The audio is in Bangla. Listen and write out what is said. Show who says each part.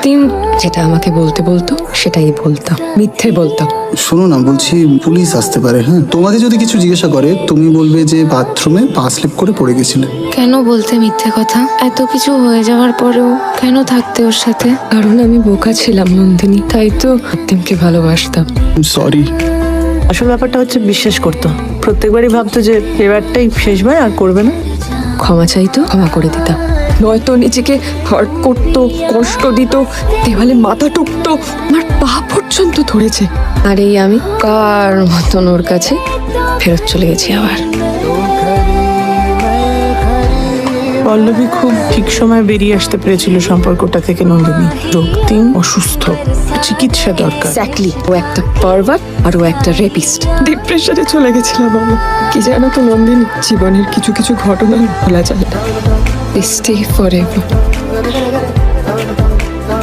Speaker 1: রক্তিম যেটা আমাকে বলতে বলতো সেটাই বলতাম, মিথ্যে বলতাম।
Speaker 2: শোনো না, বলছি পুলিশ আসতে পারে। হ্যাঁ, তোমাকে যদি কিছু জিজ্ঞাসা করে তুমি বলবে যে বাথরুমে পা স্লিপ করে পড়ে গেছিলে।
Speaker 1: কেন বলতে মিথ্যে কথা? এত কিছু হয়ে যাওয়ার পরেও কেন থাকতে ওর সাথে? কারণ আমি বোকা ছিলাম নন্দিনী, তাই তো রক্তিমকে ভালোবাসতাম।
Speaker 2: সরি।
Speaker 3: আসল ব্যাপারটা হচ্ছে বিশ্বাস করতো, প্রত্যেকবারই ভাবতো যে এবারটাই শেষবার, আর করবে না।
Speaker 1: ক্ষমা চাইতো, ক্ষমা করে দিতাম। নয়তো নিজেকে হার্ট করতো, কষ্ট দিত, দেওয়ালে মাথা টুকতো, আমার পা পর্যন্ত ধরেছে। আর এই আমি কার মতন ওর কাছে ফেরত চলে গেছি আবার।
Speaker 3: পল্লবী খুব ঠিক সময় বেরিয়ে আসতে পেরেছিল সম্পর্কটা থেকে। নন্দিনী, রক্তিম অসুস্থ, চিকিৎসা দরকার।
Speaker 1: এক্স্যাক্টলি, ও একটা পারভার্ট আর ও একটা রেপিস্ট। ডিপ্রেশনে চলে গেছিলাম আমি। কি জানো তো নন্দিনী, জীবনের কিছু কিছু ঘটনা ভোলা যায় না। Stay forever.